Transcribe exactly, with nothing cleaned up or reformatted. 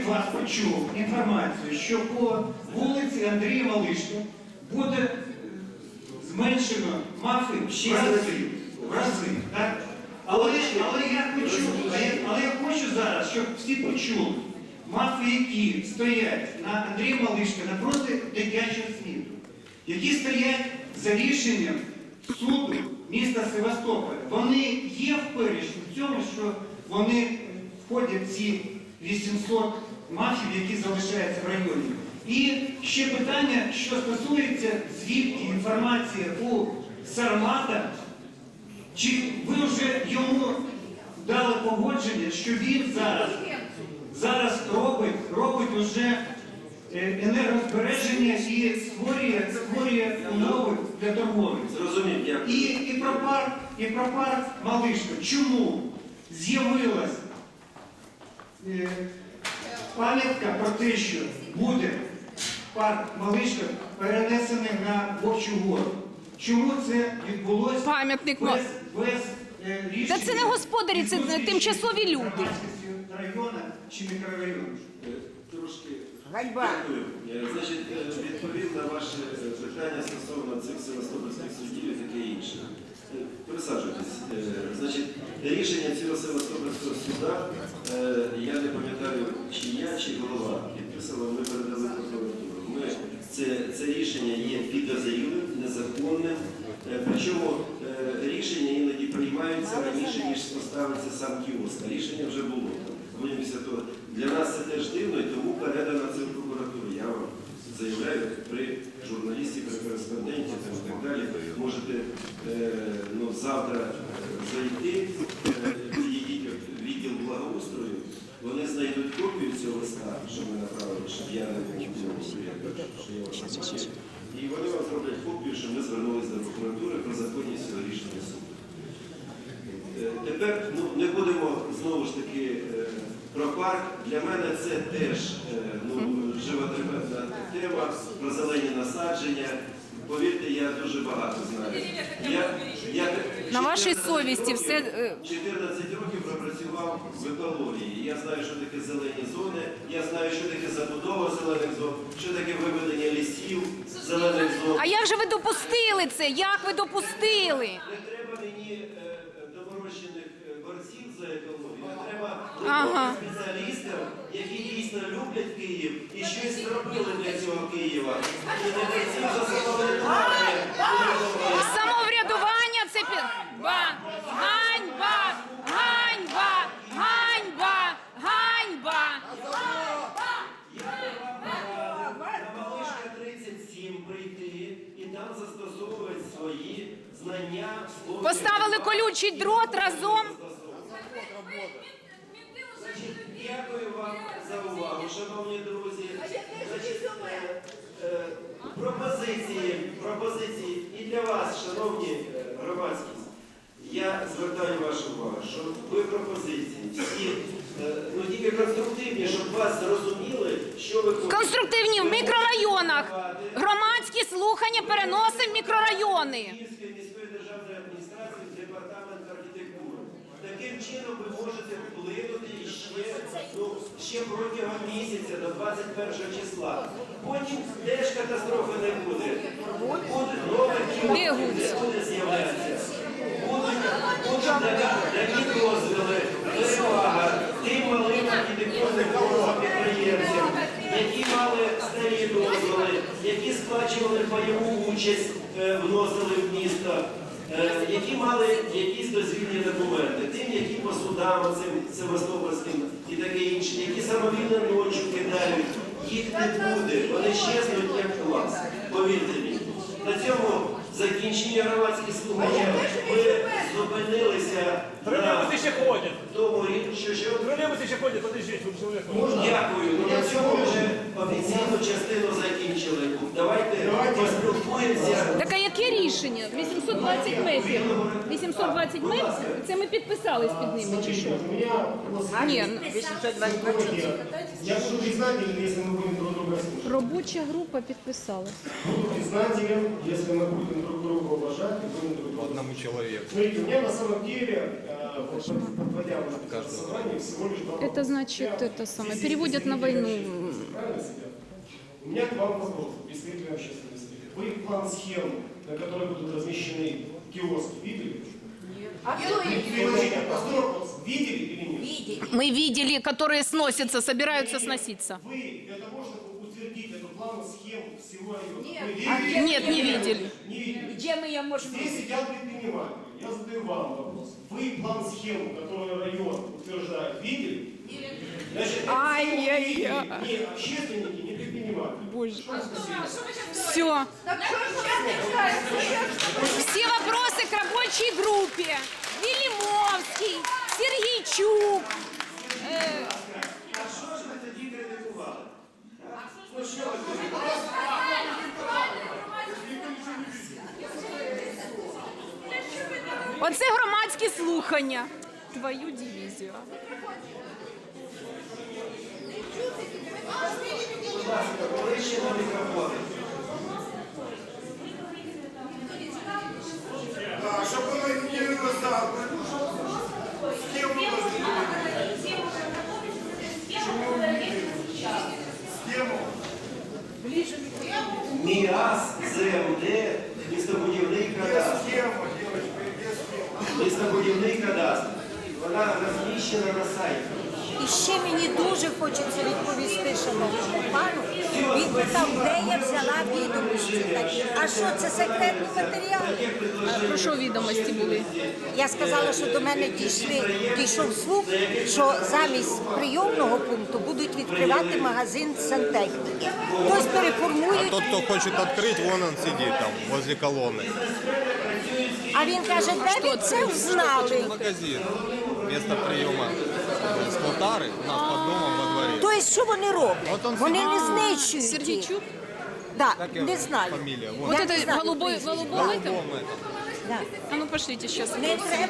вас почув інформацію, що по вулиці Андрія Малишка буде е, зменшено мафи в шість разів. В рази, так? Але, але, я хочу, але я хочу зараз, щоб всі почули, мафи, які стоять на Андрія Малишка напроти дитячого світу, які стоять за рішенням суду міста Севастополя, вони є в перечні в цьому, що вони входять в ці вісімсот мафів, які залишаються в районі. І ще питання, що стосується, звідки інформація у Сармата, чи ви вже йому дали погодження, що він зараз, зараз робить, робить уже енергозбереження і створює, створює умови для торговлі. Зрозумів, дякую. І, і, про парк, і про парк Малишка. Чому з'явилась е, пам'ятка про те, що буде парк Малишка перенесений на Вовчу гору? Чому це відбулося Пам'ятник без, без е, рішення? Та це не господарі, це тимчасові люди. Громадськості району чи мікрорайону? Трошки Ганьба. дякую. Е, Значить, е, відповів на ваше е, питання стосовно цих севастопольських судів і таке інше. Е, Присаджуйтесь. Е, Значить, рішення цього Севастопольського суда, е, я не пам'ятаю, чи я, чи голова підписала, ми передали прокуратуру. Ми, це, це рішення є підозрілим, незаконним, е, причому е, рішення іноді приймаються раніше, ніж поставиться сам кіоск. А рішення вже було. Після того. Для нас це теж дивно, і тому передано це в прокуратуру. Я вам заявляю, при журналісті, при кореспонденті там, і так далі. Можете е, ну, завтра зайти, е, підійдіть в відділ благоустрою, вони знайдуть копію цього листа, що ми направили, щоб я не був в цьому суді, що я вас бачив. І вони вам зроблять копію, що ми звернулися до прокуратури про законність цього рішення суду. Е, Тепер ну, не будемо знову ж таки е, про парк. Для мене це теж е, ну, животрепетна тема, про зелені насадження. Повірте, я дуже багато знаю. Я, я На вашій чотирнадцять совісті років- все, е, чотирнадцять років пропрацював в екології. Я знаю, що таке зелені зони, я знаю, що таке забудова зелених зон, що таке виведення лісів, зелених зон. А як же ви допустили це? Як ви допустили? Не треба мені е, е, доморощених е, борців за екологію, не треба Ага. спеціалістів, які дійсно люблять Київ і щось зробили для цього Києва. І не борців за самоврядування. Самоврядування це пі... Ба! Ганьба! Ганьба! Ганьба! Ганьба! На Малишка тридцять сім прийти і там застосовувати свої знання. слов'я. Поставили колючий дрот разом. Значить, дякую вам за увагу, шановні друзі. Значить, е, е, пропозиції, пропозиції і для вас, шановні е, громадськість. Я звертаю вашу увагу, що ви пропозиції всі, е, ну тільки конструктивні, щоб вас зрозуміли, що ви хочете. Конструктивні в мікрорайонах. Громадські слухання переносимо в мікрорайони. Київської міської державної адміністрації в департамент архітектури. Таким чином ви можете вплинути ще, ну, ще протягом місяця до двадцять першого числа. Потім теж катастрофи не буде. Буде нове кіно, Де не Гуц? буде з'являтися. Будуть, будуть такі дозволи, перевага тим малим архітектурним підприємцям, які мали старі дозволи, які сплачували пайову участь, е, вносили в місто, е, які мали якісь дозвільні документи, тим, які по судам, цим севастопольським і таке інше, які самовільно ночі кидають, їх не буде, вони щезнуть як клас, повірте мені. На цьому закінчення громадських слухання ми зупинилися на Троллейбусы еще ходят. тому, що що Троллейбусы еще ходят, подождите, вы человек. Дякую. Ну, на цьому вже офіційну частину закінчили. Давайте поспілкуємося. Так а яке рішення? вісімсот двадцять метрів. вісімсот двадцять метрів? Це ми підписались під ними чи що? Ні, ну, вісімсот двадцять метрів. Я буду признателен, если мы будем друг друга слушать. робоча група підписалась. Буду признателен, если мы будем друг друга уважать и будем друг друга Одному человеку. Смотрите, у меня на самом деле э, э, вот подводя вот это собрание, всего лишь два Это вопроса. значит, это самое, переводят на войну. Правильно, Сидят? У меня к вам вопрос, представитель общественности. Вы план схем, на которой будут размещены киоски, видели? А кто их Подождите, простой вопрос. Видели или нет? видит? Мы видели, которые сносятся, собираются сноситься. Вы для того, чтобы утвердить эту план схем всего района, Нет. вы А видели? где Нет, не видели. Не видели. Где мы ее можем Здесь сидят предприниматели. Я задаю вам вопрос. Вы план схему, который район утверждает, видели? Значит, это Ай-яй-яй. видели не общественники, не предприниматели. Боже. Все. Все вопросы к рабочей группе. Велимовский, Сергійчук. Э, А що ж ви тоді критикували? Оце громадські слухання. Твою дивізію. Будь ласка, ближче на мікрофони. Щоб воно не вилазало. З ким воно Схему. МІАС, ЗМД, містобудівний кадастр. Схема, девочка, є схема. Містобудівний кадастр. Вона розміщена на сайті. І ще мені дуже хочеться відповісти шановному пану. Він питав, де я взяла відомості такі. А що, це секретні матеріали? А про що відомості були? Я сказала, що до мене дійшли, дійшов слух, що замість прийомного пункту будуть відкривати магазин сантехніки. Хтось переформують, Тот, кто хочет открыть, вон он сидит там, возле колонны. а він каже, де ви це взнали? Магазин. Место приема э, склотары у нас под домом во дворе. Тобто, що вони роблять? От он Вони не А, знищують. Сергійчук? Да, Как его не знаю. фамилия? Вот Я не это знаю голубой, прізвище. голубой там? Дом это. Да. А ну пошлите сейчас. Не треба